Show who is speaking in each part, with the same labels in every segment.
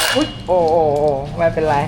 Speaker 1: อุ๊ยโอ้ไม่เป็นไร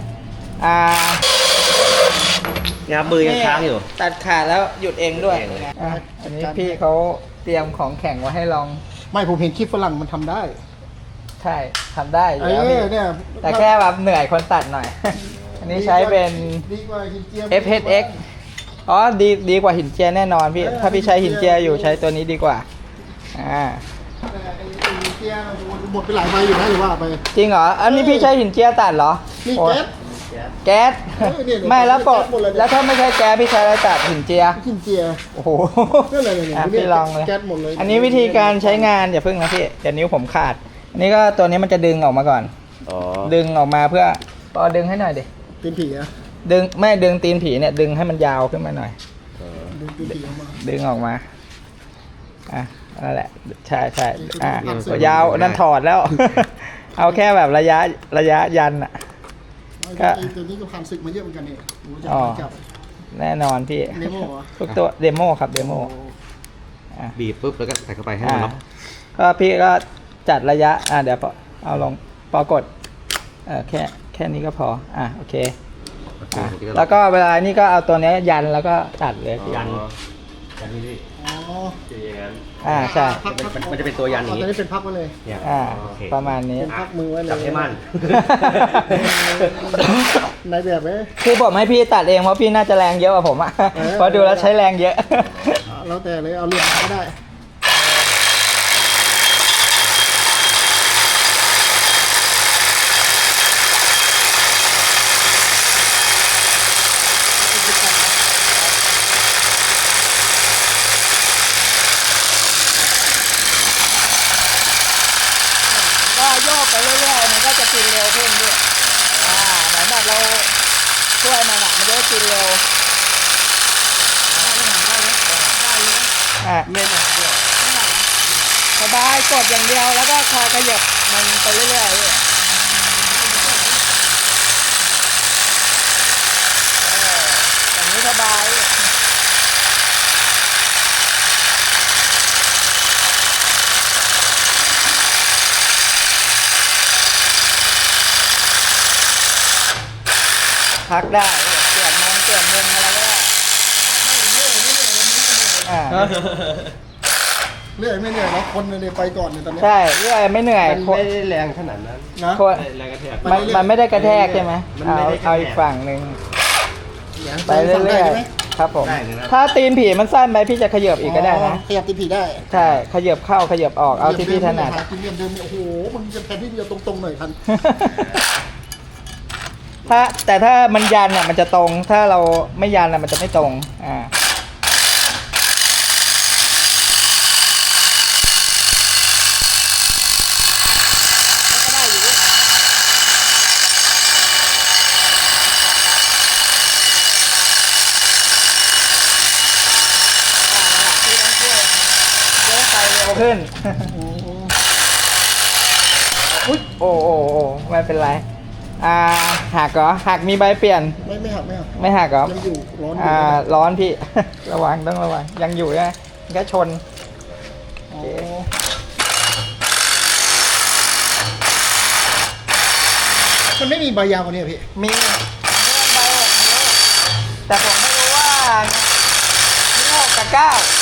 Speaker 2: งับมือยังค้างอยู่
Speaker 1: ตัดขาดแล้วหยุดเองด้วย
Speaker 2: หยุดเองเลย
Speaker 1: อันนี้พี่เขาเตรียมของแข่งไว้ให้ลอง
Speaker 3: ไม่ผมเห็นคลิปฝรั่งมันทำได้
Speaker 1: ใช่ทำได้อยู่แล้วพี่
Speaker 3: เนี่ย
Speaker 1: แต่แค่แบบเหนื่อยคนตัดหน่อย อันนี้ใช้เป็น
Speaker 3: ดีกว่าหินเจีย
Speaker 1: FHX อ๋อดีกว่าหินเจียแน่นอนพี่ถ้าพี่ใช้หินเจียอยู่ใช้ตัวนี้ดีกว่า
Speaker 3: แต่ไอ้หินเจียหมดไปหลายใบอยู่นะหรือว่าไป
Speaker 1: จริงเหรออันนี้พี่ใช้หินเจียตัดเหรอ
Speaker 3: นี่
Speaker 1: โอ้
Speaker 3: แก๊ส
Speaker 1: แก๊ส
Speaker 3: เนี่ย
Speaker 1: ไม่แล้วก็
Speaker 3: แก๊สหมดเลยเนี่ย
Speaker 1: แล้วถ้าไม่ใช่แก๊สพี่ใช้อะไรตัดหินเจีย
Speaker 3: หินเจีย
Speaker 1: โอ้โห
Speaker 3: นั่นแหละเนี่ย
Speaker 1: พี่ลองเลย
Speaker 3: แก๊สหมดเลย
Speaker 1: อันนี้วิธีการใช้งานอย่าพึ่งนะพี่เดี๋ยวนิ้วผมขาด อันนี้ก็ตัวนี้มันจะดึงออกมาก่อน
Speaker 2: อ๋อ
Speaker 1: ดึงออกมาเพื่อปอดึงให้หน่อยดิ
Speaker 3: ตีนผีอะ
Speaker 1: ดึงตีนผีเนี่ยดึงให้มันยาวขึ้นมาหน่อย
Speaker 3: ดึงตีนผีออกมา
Speaker 1: ดึงออกมานั่นแหละใช่
Speaker 3: นี่คือ
Speaker 1: ยาวนั่นถอดแล้ว เอาแค่แบบระยะยันอ่ะ ก็
Speaker 3: ไอ้ตัวนี้ก็ผ่านศึกมาเยอะเหมือนกันเนี่ยโอ้โห
Speaker 1: อ๋อ
Speaker 3: จับ
Speaker 1: แน่นอนพี่
Speaker 3: เดโม่เหรอ
Speaker 1: ทุกตัวเดโมครับเดโม
Speaker 2: บีบปุ๊บแล้วก็ใส่เข้าไปให้มันล็อก
Speaker 1: ก็พี่ก็จัดระยะเดี๋ยวเอาลงปอกดแค่นี้ก็พอโอเคแล้วก็เวลานี่ก็เอาตัวนี้ยันแล้วก็ตัดเลย
Speaker 2: ยันนี่
Speaker 3: อ๋อ
Speaker 2: จะอย่างนั้น
Speaker 1: ใช่
Speaker 2: มันจะเป็นตัวยันอย่าง
Speaker 3: ตอน
Speaker 2: นี้
Speaker 3: นี้เป็นพักมาเลย
Speaker 2: เนี่ยโอเค
Speaker 1: ประมาณนี้
Speaker 3: เป็นพักมือไว้เลย
Speaker 2: จับให้มั่น
Speaker 3: ในแบบไหม
Speaker 1: คือผมให้พี่ตัดเองเพราะพี่น่าจะแรงเยอะกว่าผมอ่ะ เพราะดูแล้วใช้แรงเยอะ
Speaker 3: แล้วแต่เลยเอาเหลี่ยมก็ได้
Speaker 1: ก็โยกไปเรื่อยๆมันก็จะกินเร็วขึ้นด้วยเหมือนแบบเราช่วยมันมันจะได้กินเร็วสบายกดอย่างเดียวแล้วก็คอยขยับมันไปเรื่อยๆอย่างนี้สบายพักได้เปลี่ยนมุมอะไรก็ได้
Speaker 3: เรื่อยไม่เหนื่อยแล้วคนเลยไปก่อนเนี่ยตอนนี้
Speaker 1: ใช่เรื่อยไม่เหนื่อย
Speaker 2: มันไม่ได้แรงขนาดนั้น
Speaker 3: นะ
Speaker 2: แรงกระแทก
Speaker 1: มันไม่ได้กระแทกใช่ไหม
Speaker 2: มันไม่ได้กระแทก
Speaker 1: เอาอีกฝั่งหนึ่งไป
Speaker 3: ไป
Speaker 1: เรื่
Speaker 3: เรื่
Speaker 1: อ
Speaker 3: อย ย
Speaker 1: ๆครับผม
Speaker 2: ได้เลยนะ
Speaker 1: ถ้าตีนผีมันสั้นไปพี่จะขยับอีกก็ได้นะ
Speaker 3: ขยับตีนผีได้
Speaker 1: ใช่ขยับเข้าขยับออกเอาที่พี่ถนัด
Speaker 3: กินเดิมเดิมโอ้โหมันจะแทนที่เดียวตรงๆหน่อยทัน
Speaker 1: แต่ถ้ามันยันอ่ะมันจะตรงถ้าเราไม่ยันอ่ะมันจะไม่ตรงขึ้นอุ๊ยโอ้ไม่เป็นไรหักเหรอหักมีใบเปลี่ยน
Speaker 3: ไม่หัก
Speaker 1: ไม่หักเหรอ
Speaker 3: ยังอยู่ร้อน
Speaker 1: ร้อนพี่ ระวังต้องระวังยังอยู่นะมันก็ชน
Speaker 3: มันไม่มีใบยาวกว่านี้พี่
Speaker 1: มีใบ6 นิ้วแต่ผมไม่รู้ว่านิ้ว6 กับ 9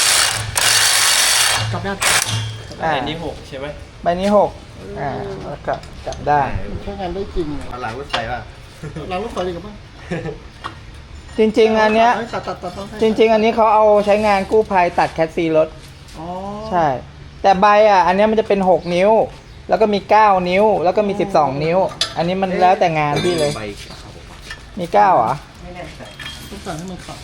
Speaker 3: กลับด้าน
Speaker 2: ใบนี้6ใช่ไหม
Speaker 1: ใบนี้6แล้วก็กลับได้
Speaker 3: ใช้งานได้จริง
Speaker 2: เอาหลังรถไฟป่ะ
Speaker 3: เรารถไฟดีกับบ้าง
Speaker 1: จริงๆอันเนี้ย
Speaker 3: ตัด
Speaker 1: จริงๆอันนี้เขาเอาใช้งานกู้ภัยตัดแคสซีรถ
Speaker 3: อ๋อ
Speaker 1: ใช่ แต่ใบอันเนี้ยมันจะเป็น6 นิ้ว แล้วก็มี9 นิ้วแล้วก็มี12 นิ้ว อันนี้มันแล้วแต่งานพี่เลย
Speaker 2: ใบ
Speaker 1: มี9เหรอ
Speaker 3: ต้องสั่งให้มันขับ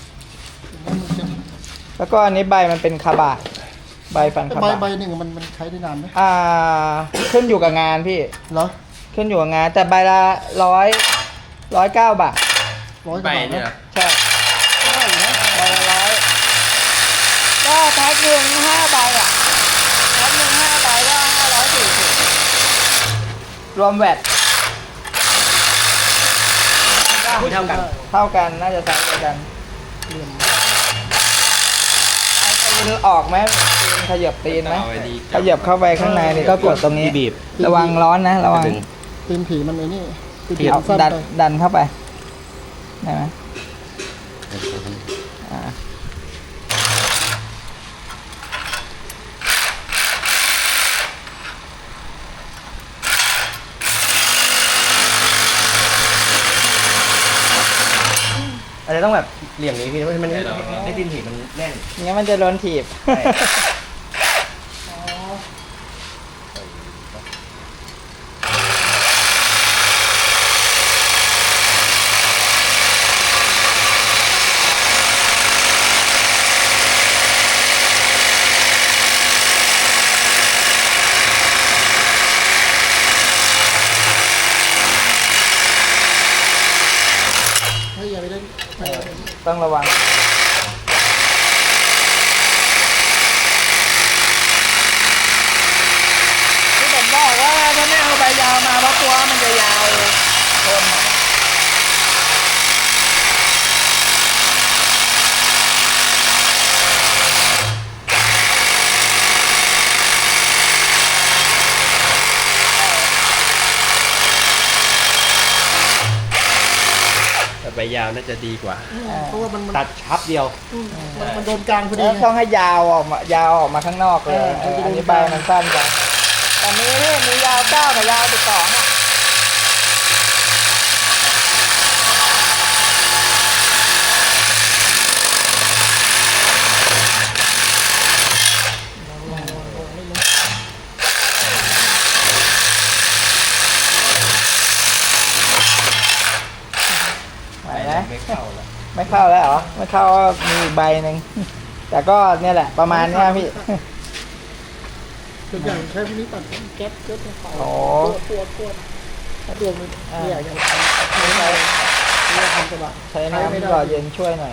Speaker 1: แล้วก็อันนี้ใบมันเป็นคาบะใบฟันคาบะ
Speaker 3: ใบหนึ่งมันใช้ได้นานไหม
Speaker 1: ขึ้นอยู่กับงานพี่
Speaker 3: เหรอ
Speaker 1: ขึ้นอยู่กับงานแต่ใบละ109 บาท
Speaker 3: 100 กว่าบาทนะ
Speaker 1: ใช่
Speaker 3: ได้อยู่นะ
Speaker 1: ใบละ100ก็แพ็คหนึ่ง5 ใบแพ็คหนึ่ง5 ใบก็540รวมแวต
Speaker 2: เท่ากัน
Speaker 1: เท่ากันน่าจะไซส์เดียวกันตีนออกไหมตีนขยับตีนไหมขยับเข้าไปข้างในนี่ก็กดตรงนี้
Speaker 2: บีบ
Speaker 1: ระวังร้อนนะระวัง
Speaker 3: ตีนผีมันไอ้นี่ตีนผี
Speaker 1: เอา
Speaker 3: มันสั้น
Speaker 1: ดัน
Speaker 3: ไป
Speaker 1: ดันเข้าไปได้ไหมอ่า
Speaker 2: อาจจะต้องแบบเหลี่ยมนี้พี่มันให้ดินถีบมันแน่น
Speaker 1: งั้นมันจะโดนถีบ
Speaker 3: ให้อย่าไปเล่น
Speaker 1: ต้องระวังที่ผมบอกว่าถ้าไม่เอาใบยาวมาเพราะตัวมันจะยาวทนอะ
Speaker 2: แต่ใบยาวน่าจะดีกว่า
Speaker 3: เพราะว่ามัน
Speaker 2: ตัดชับเดียว
Speaker 3: มันโดนกลางพอดี
Speaker 1: แล้ว
Speaker 3: ไง
Speaker 1: ต้องให้ยาวออกมายาวออกมาข้างนอกเลย
Speaker 3: มันจะ
Speaker 1: อัน
Speaker 3: ดู
Speaker 1: นี้ใบมันสั้นจังแต่มีนี่มียาว9กับยาว12อ่ะไหวไหม
Speaker 2: ไม่เข้าแล้ว
Speaker 1: ไม่เข้าแล้วเหรอ ไม่เข้าก็มีอีกใบหนึ่ง แต่ก็เนี่ยแหละประมาณเนี้ยพี่
Speaker 3: ส่วนใหญ่ใช้พวกนี้ตัดแก๊สเยอะไป
Speaker 1: โอ้
Speaker 3: ตัวถ้าตัวมันไม่อยากจะทำสบาย
Speaker 1: ใช้น้ำหล่อเย็นช่วยหน่อย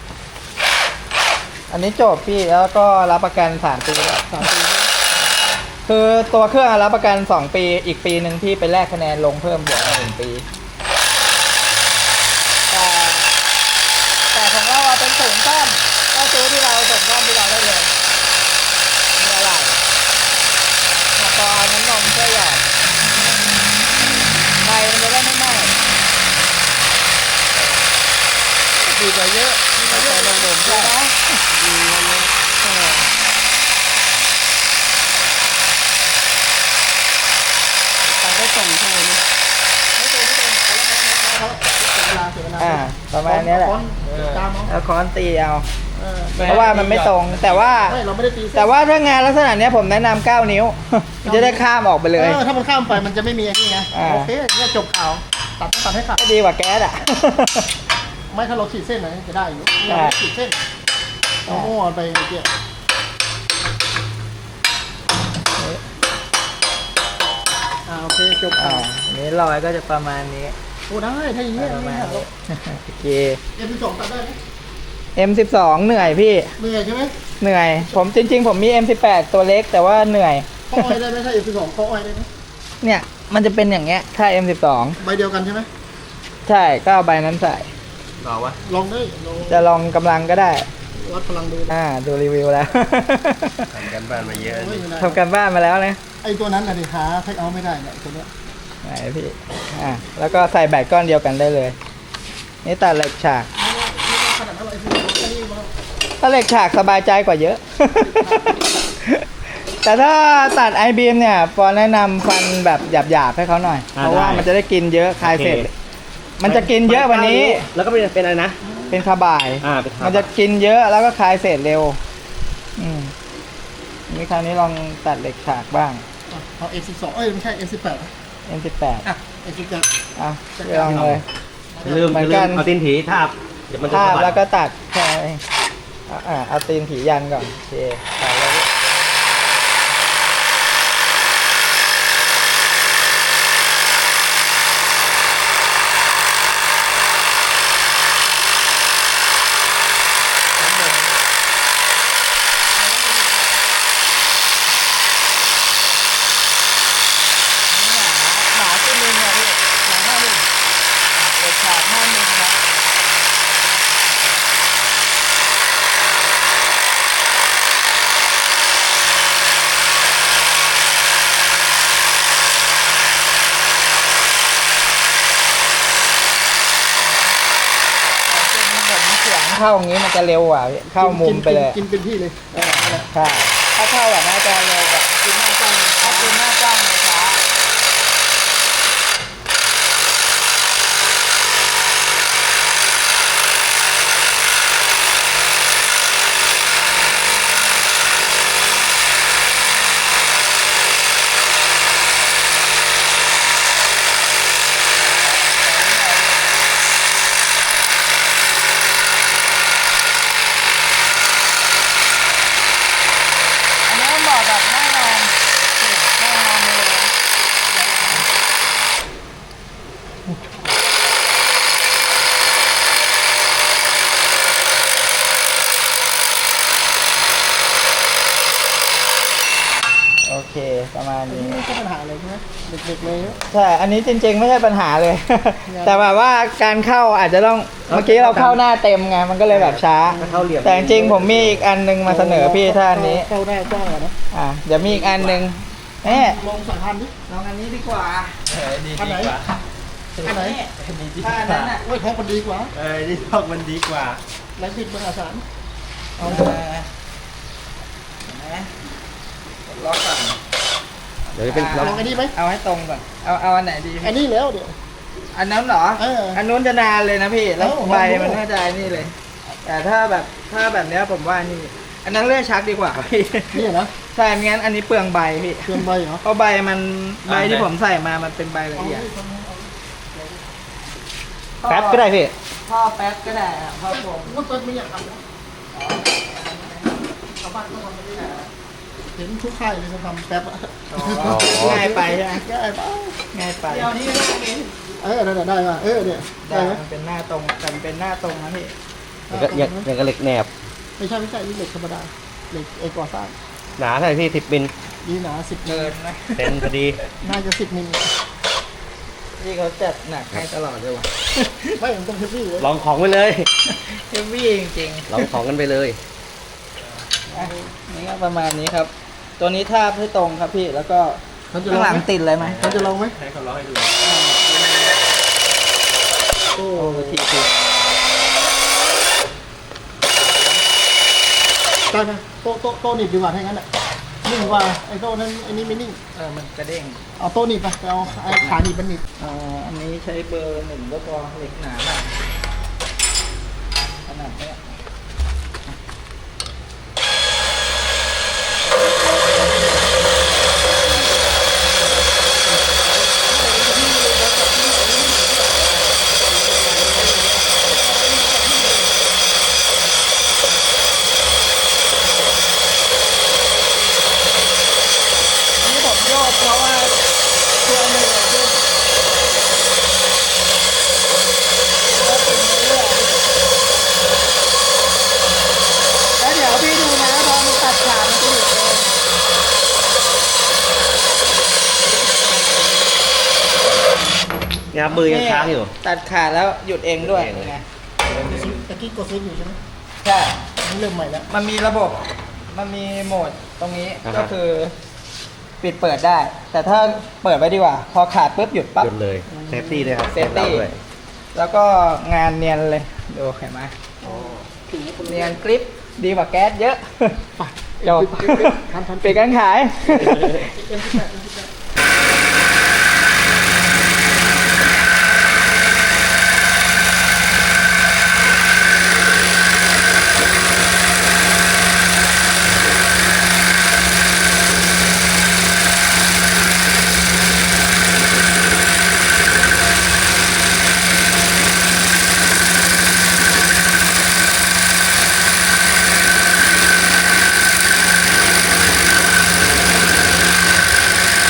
Speaker 1: อันนี้จบพี่แล้วก็รับประกัน3 ปีแล้ว
Speaker 3: 3 ปี
Speaker 1: คือตัวเครื่องรับประกัน2 ปีอีกปีหนึ่งพี่ไปแลกคะแนนลงเพิ่มบวกมา1 ปี แต่ของเราเป็นศูนย์ซ่อมก็ซื้อที่เราส่งซ่อมที่เราได้เลยมีอะไรพอน้ำนมช่วยหยอดไฟมันจะได้ไม่ไหม้
Speaker 3: ดีกว่าเยอะ
Speaker 1: แต่ลงนมใช่ไหมดีเลย
Speaker 3: ตัดได้ส่งเท่าไหร่เนี่ยไม่ตรงเสียเวลา
Speaker 1: ประมาณนี้แหละ
Speaker 3: ตามเอา
Speaker 1: แล้วค้อนตีเอา
Speaker 3: เออ
Speaker 1: เพราะว่ามันไม่ตรงแต่ว่า
Speaker 3: ไม่เราไม่ได้ตี
Speaker 1: แต่ว่าถ้างานลักษณะเนี้ยผมแนะนำ9 นิ้ว มันจะได้ข้ามออกไปเลย
Speaker 3: ถ้ามันข้ามไปมันจะไม่มีไอ้นี่ไง
Speaker 1: อ่า
Speaker 3: โอเคเนี่ยจบข่าวตัดให้ขาด
Speaker 1: ก็ดีกว่าแก๊สอ่ะ
Speaker 3: ไม่ถ้าเราขีดเส้นไหนจะได้อยู่
Speaker 1: ใช่
Speaker 3: เราขีดเส้นเราโม่ไปเมื่อกี้โอเคจบข่าว
Speaker 1: อันนี้รอยก็จะประมาณนี้
Speaker 3: โอ้ได้ถ้าอย่างนี้
Speaker 1: ประมาณนี้โอเค
Speaker 3: M12 ตัดได้ไหม
Speaker 1: M12 เหนื่อยพี่
Speaker 3: เหนื่อยใช่ไหม
Speaker 1: เหนื่อย ผมจริง ๆ ผมมี M18 ตัวเล็กแต่ว่าเหนื่อย
Speaker 3: ข้ออ้อยได้ไหมถ้า M12 ข้ออ้อยได้ไหม
Speaker 1: เนี่ยมันจะเป็นอย่างเงี้ยถ้า M12
Speaker 3: ใบเดียวกันใช่ไหม
Speaker 1: ใช่ก็เอาใบนั้นใส่
Speaker 2: รอวะ
Speaker 3: ลองได้ลอง
Speaker 1: จะลองกำลังก็ได้
Speaker 3: วัดพลังดู
Speaker 1: ดูรีวิวแล้ว
Speaker 2: ทำกันบ้านมาเยอะ
Speaker 3: โอ้ยไม่ได้
Speaker 1: ทำการบ้านมาแล้วนะ
Speaker 3: ไอ้ตัวนั้นน่ะดิหาเทคเอาไม่ได้เนี่ยตัวเนี้ย
Speaker 1: ไหนพี่แล้วก็ใส่แบตก้อนเดียวกันได้เลย นี่ตัดเหล็กฉาก
Speaker 3: ไม่ได้ขนาดนั้นหรอกไอ้ตัวแค่นี้มา
Speaker 1: ถ้าเหล็กฉากสบายใจกว่าเยอะ แต่ถ้าตัดไอบีมเนี่ยปอแนะนำฟันแบบหยาบๆให้เขาหน่อย เพราะว่ามันจะได้กินเยอะคลายเสร็จ มันจะกินเยอะกว่านี้
Speaker 2: แล้วก็เป็นอะไรนะ
Speaker 1: เป็นคาบ่าย
Speaker 2: เป็น
Speaker 1: มันจะกินเยอะแล้วก็คลายเศษเร็ว นี่คราวนี้ลองตัดเหล็กฉากบ้าง
Speaker 3: เอา F12 เอ้ยไม่ใช่ F18
Speaker 1: M18
Speaker 3: อ่ะ F18
Speaker 1: อ่ะลองเลย
Speaker 2: ลืม
Speaker 1: เหมือนกัน
Speaker 2: เอาตีนผีทาบเดี๋ยวมันจะ
Speaker 1: ทาบ
Speaker 2: สะบัด
Speaker 1: แล้วก็ตัดแค่นั้นเองเอาตีนผียันก่อนโอเคตัดเลยหนาขึ้นนึงเนี่ยพี่หนา5 มิลเหล็กฉาก5 มิลครับเข้าอย่างนี้มันจะเร็วกว่าพี่เข้ามุมไปเลย
Speaker 3: กินเป็นที่เลยนั่นแหละ
Speaker 1: ใช่ถ้าเข้าแบบน่าจะเร็วกว่า
Speaker 3: กินหน้ากล้อง
Speaker 1: ถ้ากินหน้ากล้องมันช้าอันนี้เหมาะกับนั่งนอนนั่งนอนเลยโอเคประมาณ
Speaker 3: อัน
Speaker 1: นี้
Speaker 3: นี้ไม่ใช่ปัญหาเลยใช่ไหมเด็กๆเลย
Speaker 1: ใช่ อันนี้จริงๆไม่ใช่ปัญหาเลย แต่แบบว่าการเข้าอาจจะต้อง เมื่อกี้เราเข้าหน้าเต็มไง มันก็เลยแบบช้า
Speaker 2: ถ้าเข้าเหลี่ยม
Speaker 1: แต่จริงๆผมมีอีกอันนึงมาเสนอพี่ถ้าอันนี้
Speaker 3: เข้าได้กว้างอะนะ
Speaker 1: เดี๋ยวมีอีกอันนึงนี่
Speaker 3: ลอง2,000ดิ
Speaker 1: ลองอันนี้ดีกว่า
Speaker 2: ดี
Speaker 3: อันไหน
Speaker 2: กว่า
Speaker 3: อันไหน
Speaker 1: ถ้าอันนั้นอ่ะ
Speaker 3: โอ้ยของมันดีกว่า
Speaker 2: ดีพอกมันดีกว่า
Speaker 3: แรงบิดมหาศาล
Speaker 1: เอานะล็อกก่อน
Speaker 2: เดี๋ยวจะเป็น
Speaker 3: ลองอันนี้ไหม
Speaker 1: เอาให้ตรงก่อน เอาอันไหนดี
Speaker 3: อันนี้แล้วเดี๋ยว
Speaker 1: อันนั้นเหรอ อันนู้นจะนานเลยนะพี่ แล้ว
Speaker 3: เอ้า
Speaker 1: ใบ
Speaker 3: ลองดู
Speaker 1: มันน่าจะไอ้นี่เลย แต่ถ้าแบบเนี้ยผมว่านี่ อันนั้นเลื่อยชักดีกว่าพี่
Speaker 3: นี่นะ
Speaker 1: ใช่ไม่งั้นอันนี้เปลืองใบพี่
Speaker 3: เครื่องใบเหรอ
Speaker 1: เพราะใบที่ผมใส่มามันเป็นใบละเอียด
Speaker 2: แป๊บก็ได้พี่
Speaker 1: พ่อแป๊บก็ได้อะพ่อผม
Speaker 3: ว่าเปิดไม่อยากทำนะชาวบ้านก็ทำกันได้เห็นทุกค่ายเลยเขาทำแป๊บอะ
Speaker 1: ง่ายไปใช่ไหม
Speaker 3: ง่ายไป
Speaker 1: ง่ายไป
Speaker 3: เดี๋ยวนี้ได้ป่ะเนี่ย
Speaker 1: ได้
Speaker 3: ได้ไหม
Speaker 1: มันเป็นหน้าตรงแต่มันเป็นหน้าตรงนะพี่
Speaker 2: อย่างกับเหล็กแหนบ
Speaker 3: ไม่ใช่นี่เหล็กธรรมดาเหล็กก่อสร้าง
Speaker 2: หนาเท่าไหร่พี่10 มิล
Speaker 3: นี่หนา10
Speaker 1: เกิ
Speaker 3: มิล
Speaker 1: นนะ
Speaker 2: เต็มพอดี
Speaker 3: น่าจะ10 มิล
Speaker 1: พี่เขาจัดหนักให้ตลอดเลยว่ะ
Speaker 3: ไม่ผมต้องเฮฟวี่เลย
Speaker 2: ลองของไปเลย
Speaker 1: เฮฟวี่จริง
Speaker 2: ลองของกันไปเลย
Speaker 1: ๆอ่ะนี่ก็ประมาณนี้ครับ ตัวนี้ทาบให้ตรงครับพี่แล้วก็
Speaker 3: เขาจะล
Speaker 1: ข้า
Speaker 3: อง ง
Speaker 1: หลัง
Speaker 3: ไหม
Speaker 1: ติดเลยไหม
Speaker 3: เขาจะลองไหม
Speaker 2: ให้เขาลองให้ดู
Speaker 3: โอ้
Speaker 1: โอ้ที
Speaker 3: ได้ไหมโต๊ะหนีบดีกว่าถ้างั้นอ่ะนิ่งกว่าไอ้โต๊ะนั้นไอ้นี่ไม่นิ่ง
Speaker 1: มันกระเด้ง
Speaker 3: เอาโต๊ะหนีบไปเอาไอ้ขาหนีบมันหนีบ
Speaker 1: อันนี้ใช้เบอร์1ก็พอเหล็กหนาหน่อยขนาดเนี้ยอันนี้ผมโยกเพราะว่าตัวหนึ่งอะที่แล้วเดี๋ยวพี่ดูนะพอมันตัดขาดมันจะหยุดเอง
Speaker 2: งับมือยังค้างอยู่
Speaker 1: ตัดขาดแล้วหยุดเองด้วย
Speaker 2: หยุดเองเลย
Speaker 1: ไง
Speaker 3: ตะกี้กดเซฟอยู่ใช่ไหม
Speaker 1: ใช่
Speaker 3: นี่เริ่มใหม่แล้ว
Speaker 1: มันมีระบบ มันมีโหมดตรงนี้
Speaker 2: อ่าฮะ
Speaker 1: ก็คือ ปิดเปิดได้ แต่ถ้าเปิดไว้ดีกว่า พอขาดปุ๊บหยุดปั๊บ
Speaker 2: หยุดเลยเซฟตี้ด้วยครับ
Speaker 1: เซฟตี้
Speaker 2: ด้วย
Speaker 1: แล้วก็งานเนียนเลยดูเห็นไหมเนียนกริปดีกว่าแก๊สเยอะ จบ
Speaker 3: ทัน
Speaker 1: ปิดการขาย
Speaker 3: เ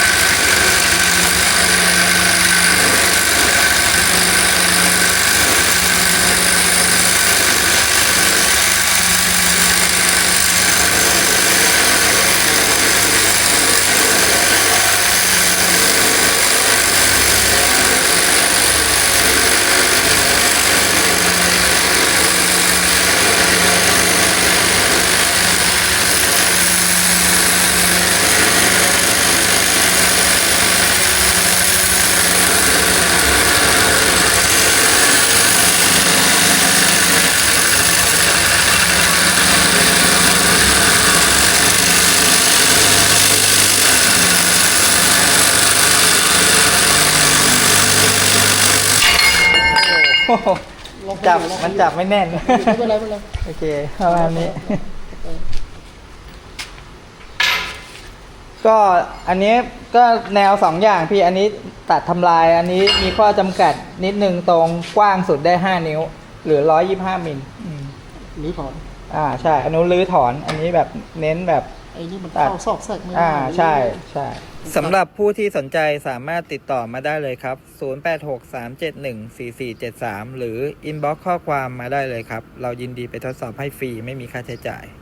Speaker 3: ลอง
Speaker 1: จับ
Speaker 3: ลอง
Speaker 1: มันจับไม่แน่น
Speaker 3: ไม่เป็นไรไม่เป็นไร
Speaker 1: โอเคประมาณนี้ ก็อันนี้ก็แนวสองอย่างพี่อันนี้ตัดทำลายอันนี้มีข้อจำกัดนิดนึงตรงกว้างสุดได้5 นิ้วหรือ125 มิล
Speaker 3: หรือถอน
Speaker 1: ใช่อันนู้นรื้อถอนอันนี้แบบเน้นแบบ
Speaker 3: ไอ้นี่มันเข้าซอกแซกไม่ได้
Speaker 1: ใช่ใช่สำหรับผู้ที่สนใจสามารถติดต่อมาได้เลยครับ 0863714473 หรือ inbox ข้อความมาได้เลยครับ เรายินดีไปทดสอบให้ฟรีไม่มีค่าใช้จ่าย